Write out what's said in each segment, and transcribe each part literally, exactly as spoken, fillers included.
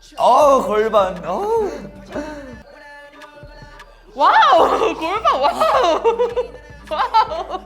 어우 골반. 어우. 와우 골반 와우. 와우.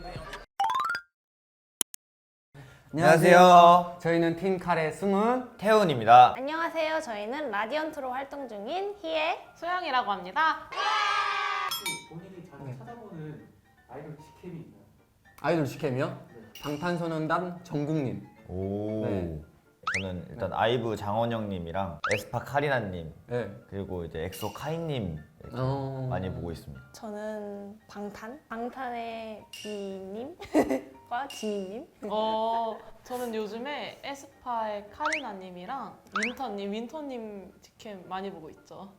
안녕하세요. 저희는 팀 카레 숨은 태훈입니다. 안녕하세요. 저희는 라디언트로 활동 중인 희애. 소영이라고 합니다. 본인이 자주 찾아보는 아이돌 직캠이 있나요? 아이돌 시캠이요? 방탄소년단 정국님. 오. 네. 저는 일단 아이브 장원영님이랑 에스파 카리나님 네. 그리고 이제 엑소 카이님 이렇게 어... 많이 보고 있습니다. 저는 방탄? 방탄의 비님과 지민님. 어 저는 요즘에 에스파의 카리나님이랑 윈터님, 윈터님 직캠 많이 보고 있죠.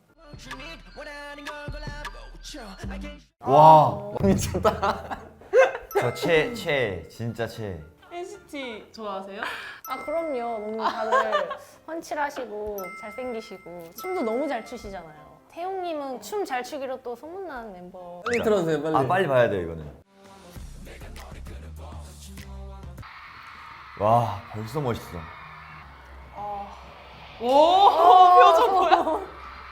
와. 미쳤다. 저 최, 최, 진짜 최. 엔시티 좋아하세요? 아 그럼요. 너무 다들 훤칠하시고 잘생기시고 춤도 너무 잘 추시잖아요. 태용님은 춤 잘 추기로 또 소문난 멤버. 빨리 들어주세요, 빨리. 아 빨리 봐야 돼요 이거는. 와 벌써 멋있어. 오 표정 뭐야?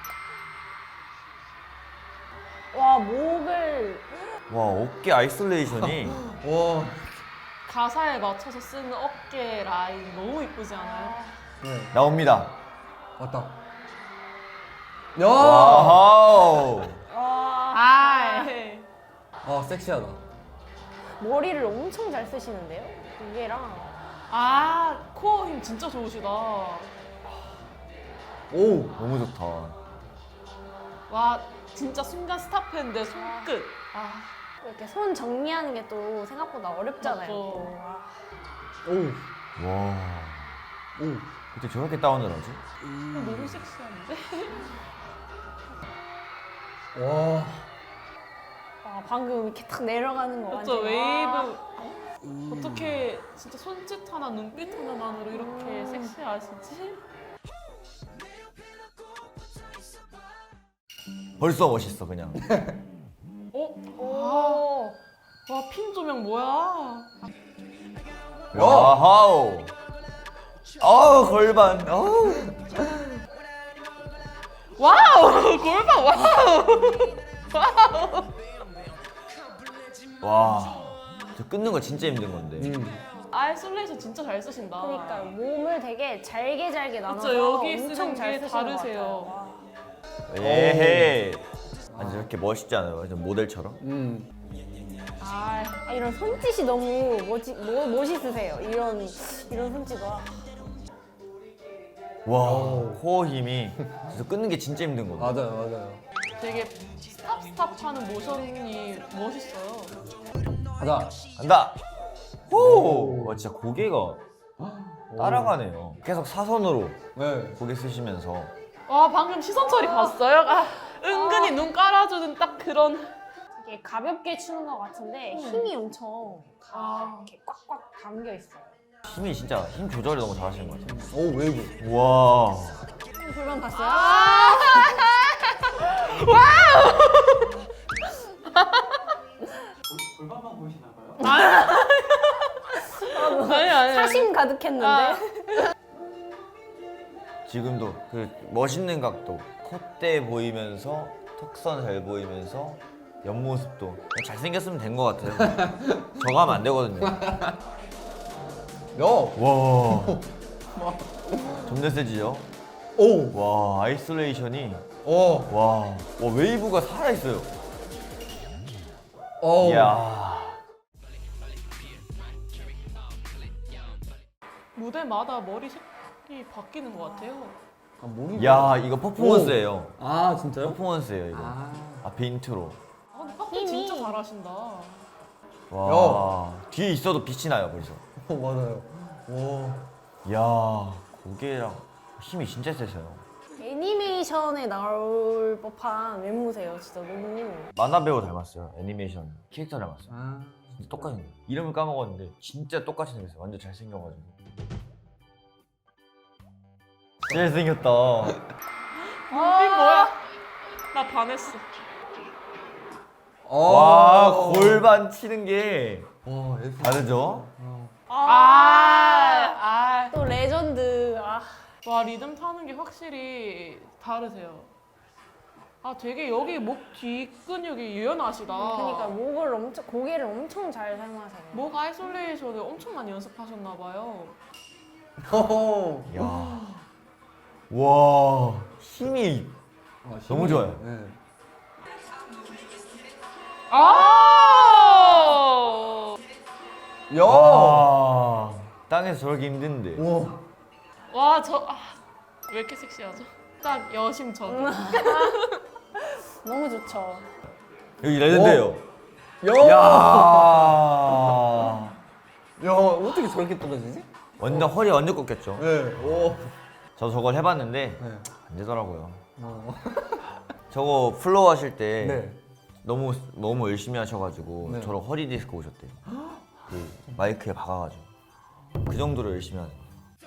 와 목을 와 어깨 아이솔레이션이. 와. 가사에 맞춰서 쓰는 어깨 라인 너무 이쁘지 않아요? 네. 나옵니다. 왔다. 야. 와우. 와 아, 아 섹시하다. 머리를 엄청 잘 쓰시는데요? 무게랑. 아 코어 힘 진짜 좋으시다. 오. 너무 좋다. 와 진짜 순간 스탑했는데 손끝. 아 이렇게 손 정리하는 게 또 생각보다 어렵잖아요. 맞죠. 또. 아, 오. 와. 오. 어떻게 저렇게 다운을 하지? 너무 섹시한데? 와. 와, 방금 이렇게 탁 내려가는 거 맞죠 완전. 웨이브. 어떻게 진짜 손짓 하나 눈빛 하나만으로 이렇게 섹시하시지? 벌써 멋있어 그냥. 어? 오. 와핀 조명 뭐야? 와우. 어우 골반. 어우. 와우 골반 와우. 와우. 와. 저 끊는 거 진짜 힘든 건데. 음. 아이솔레이션 진짜 잘 쓰신다. 그러니까 몸을 되게 잘게 잘게 나눠서 그쵸, 여기 엄청 쓰는 잘 게 쓰시는 다르세요. 것 같아요. 와. 에헤. 아니 저렇게 멋있지 않아요? 완전 모델처럼? 음. 아, 아, 이런 손짓이 너무 멋지, 뭐, 멋있으세요. 이런 이런 손짓 와. 와 코어 힘이 진짜 끊는 게 진짜 힘든 건데. 맞아요, 맞아요. 되게 스탑 스탑 하는 모션이 멋있어요. 가자. 간다. 호. 와 진짜 고개가 따라가네요. 계속 사선으로 네. 고개 쓰시면서. 와 방금 시선 처리 봤어요? 아, 은근히 눈 깔아주는 딱 그런. 되게 가볍게 추는 것 같은데 힘이 엄청 아. 이렇게 꽉꽉 담겨 있어요. 힘이 진짜 힘 조절을 너무 잘하시는 것 같아요. 오 웨이브. 와. 불만 봤어요? 아. 골반만 보이시나 봐요? 아니 아니. 사심 가득했는데. 아. 지금도 그 멋있는 각도, 콧대 보이면서 턱선 잘 보이면서 옆모습도 그냥 잘생겼으면 된 것 같아요. 저거 하면 안 되거든요. 야. 와. 점점 세지죠? 오. 와 아이솔레이션이 오. 와, 와 웨이브가 살아있어요. 오. 이야. 무대마다 머리 색이 바뀌는 것 같아요. 아, 몸이. 야 이거 퍼포먼스예요. 아 진짜요? 퍼포먼스예요 이거. 아. 앞에 인트로. 아, 근데 팝 힘이. 진짜 잘하신다. 와 뒤에 있어도 빛이 나요 벌써. 어, 맞아요. 오. 이야 고개랑 힘이 진짜 세세요. 애니메이션에 나올 법한 외모세요. 진짜 너무. 만화 배우 닮았어요. 애니메이션 캐릭터 닮았어요. 아. 진짜 똑같이 생겼어요. 이름을 까먹었는데 진짜 똑같이 생겼어요. 완전 잘생겨가지고. 잘생겼다. 눈빛 뭐야? 나 반했어. 와 골반 치는 게 와 에스. 다르죠? 아, 아, 또 레전드. 아. 와 리듬 타는 게 확실히 다르세요. 아 되게 여기 목 뒤 근육이 유연하시다. 그러니까 목을 엄청 고개를 엄청 잘 사용하세요. 목 아이솔레이션을 엄청 많이 연습하셨나 봐요. 호호. 야. 와, 힘이 아, 힘이- 너무 좋아요. 네. 아! 야. 와, 땅에서 저렇게 힘든데. 와. 와, 저, 아, 왜 이렇게 섹시하죠? 딱 여심전. 너무 좋죠. 여기 레전드예요. 야. 야. 야, 어떻게 저렇게 떨어지지? 완전 허리 완전 꺾였죠. 네. 오. 저 저걸 해봤는데 네. 안 되더라고요. 어. 저거 플로우 하실 때 네. 너무 너무 열심히 하셔가지고 네. 저런 허리 디스크 오셨대요. 그 마이크에 박아가지고 그 정도로 열심히 하죠.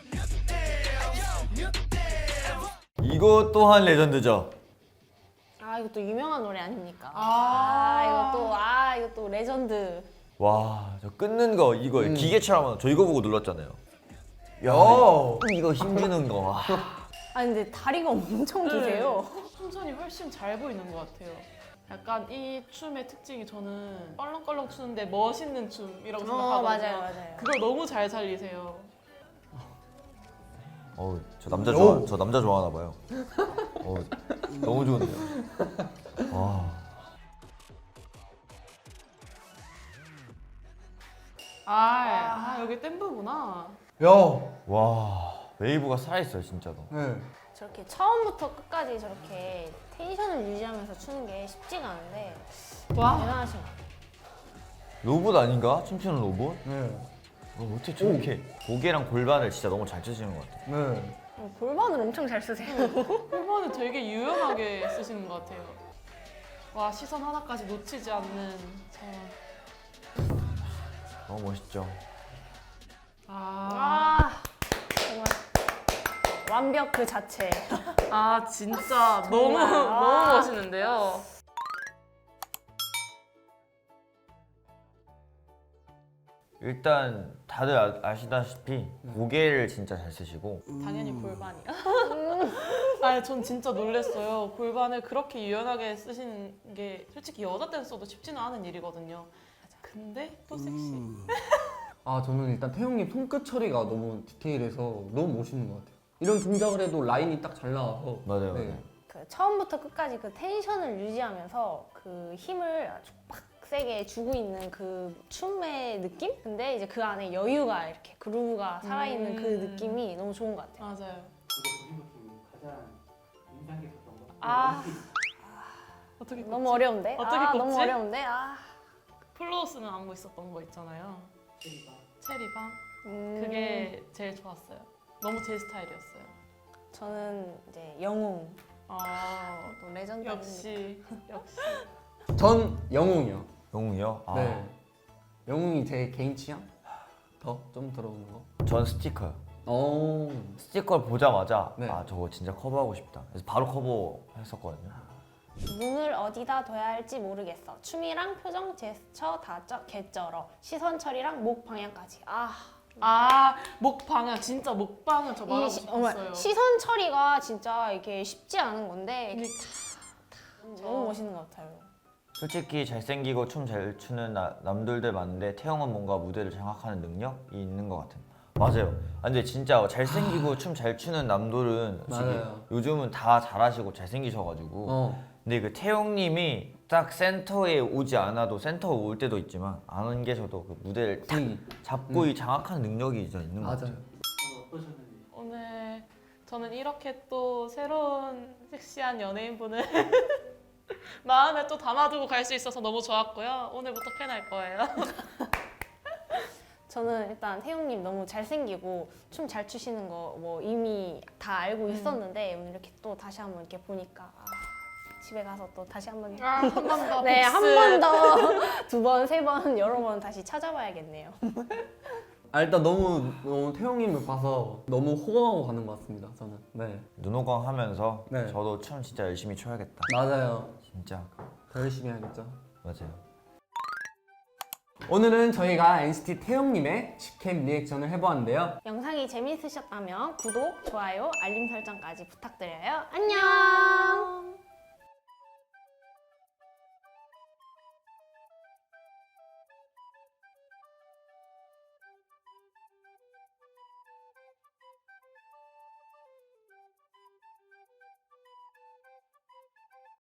이거 또한 레전드죠. 아 이것도 유명한 노래 아닙니까? 아. 아 이것도 아 이것도 레전드. 와, 저 끊는 거 이거 음. 기계처럼 저 이거 보고 눌렀잖아요. 야, 야. 이거 힘주는 거. 와. 아 근데 다리가 엄청 기세요. 춤선이 훨씬 잘 보이는 것 같아요. 약간 이 춤의 특징이 저는 껄렁껄렁 추는데 멋있는 춤이라고 생각하거든요. 어 맞아요 맞아요. 그걸 너무 잘 살리세요. 어, 저 남자 오. 좋아, 저 남자 좋아하나 봐요. 어, 너무 좋은데요. 와, 아, 아 여기 댄브구나. 야. 와, 웨이브가 살아있어요 진짜로. 네. 저렇게 처음부터 끝까지 저렇게 텐션을 유지하면서 추는 게 쉽지가 않은데 와, 대단하신 것 같아요. 로봇 아닌가? 춤추는 로봇? 네. 어, 어떻게 저렇게 고개랑 골반을 진짜 너무 잘 치시는 것 같아요. 네. 어, 골반을 엄청 잘 쓰세요. 골반을 되게 유연하게 쓰시는 것 같아요. 와, 시선 하나까지 놓치지 않는 저. 너무 멋있죠. 아, 아 정말 완벽 그 자체. 아 진짜 너무 정말. 너무 아. 멋있는데요. 일단 다들 아, 아시다시피 고개를 진짜 잘 쓰시고 당연히 골반이야. 아니 전 진짜 놀랐어요. 골반을 그렇게 유연하게 쓰시는 게 솔직히 여자 댄서도 쉽지는 않은 일이거든요. 근데 또 섹시. 아, 저는 일단 태용님 손끝 처리가 너무 디테일해서 너무 멋있는 것 같아요. 이런 동작을 해도 라인이 딱 잘 나와서. 맞아요, 네. 맞아요. 그 처음부터 끝까지 그 텐션을 유지하면서 그 힘을 아주 빡세게 주고 있는 그 춤의 느낌? 근데 이제 그 안에 여유가 이렇게 그루브가 살아있는 그 음. 느낌이 너무 좋은 것 같아요. 맞아요. 이거 보신 것 중에 가장 인상 깊었던 거. 아. 어떻게 너무 꼽지? 어려운데? 어떻게 아, 꼽지? 너무 어려운데? 아. 플로우스는 안무 있었던 거 있잖아요. 체리가 체리방. 음, 그게 제일 좋았어요. 너무 제 스타일이었어요. 저는 이제 영웅. 아 또 레전드. 역시 역시. 전 영웅이요. 영웅이요? 아, 네. 영웅이 제 개인 취향? 더 좀 들어오는 거. 전 스티커요. 오. 스티커를 보자마자 네. 아 저거 진짜 커버하고 싶다. 그래서 바로 커버했었거든요. 눈을 어디다 둬야 할지 모르겠어. 춤이랑 표정, 제스처 다 쩌, 개쩔어. 시선 처리랑 목 방향까지. 아, 아, 목 방향 진짜 목 방향 저 말하고 이 시, 정말 싶었어요. 시선 처리가 진짜 이게 쉽지 않은 건데 이게 너무 멋있는 것 같아요. 솔직히 잘생기고 춤 잘 추는 나- 남들들 많은데 태영은 뭔가 무대를 장악하는 능력이 있는 것 같아요. 맞아요. 아, 근데 진짜 잘생기고 춤 잘 추는 남들은 솔직히 맞아요. 요즘은 다 잘하시고 잘생기셔가지고 어. 근데 그 태용님이 딱 센터에 오지 않아도 센터에 올 때도 있지만 안 계셔도 그 무대를 딱 분위기. 잡고 이 장악하는 능력이 진짜 있는 것 맞아요. 같아요. 오늘 어떠셨는지. 오늘 저는 이렇게 또 새로운 섹시한 연예인분을 마음에 또 담아두고 갈 수 있어서 너무 좋았고요. 오늘부터 팬할 거예요. 저는 일단 태용님 너무 잘생기고 춤 잘 추시는 거 뭐 이미 다 알고 있었는데 오늘 이렇게 또 다시 한번 이렇게 보니까 아, 집에 가서 또 다시 한번 아, 한 번 더. 네, 한 번 더, 두 번, 세 번, 여러 번 다시 찾아봐야겠네요. 아, 일단 너무 너무 태용님을 봐서 너무 호강하고 가는 것 같습니다. 저는. 네. 눈호강 하면서 네. 저도 춤 진짜 열심히 춰야겠다. 맞아요. 진짜 더 열심히 해야겠죠. 맞아요. 오늘은 저희가 엔시티 태용님의 직캠 리액션을 해보았는데요. 영상이 재미있으셨다면 구독, 좋아요, 알림 설정까지 부탁드려요. 안녕!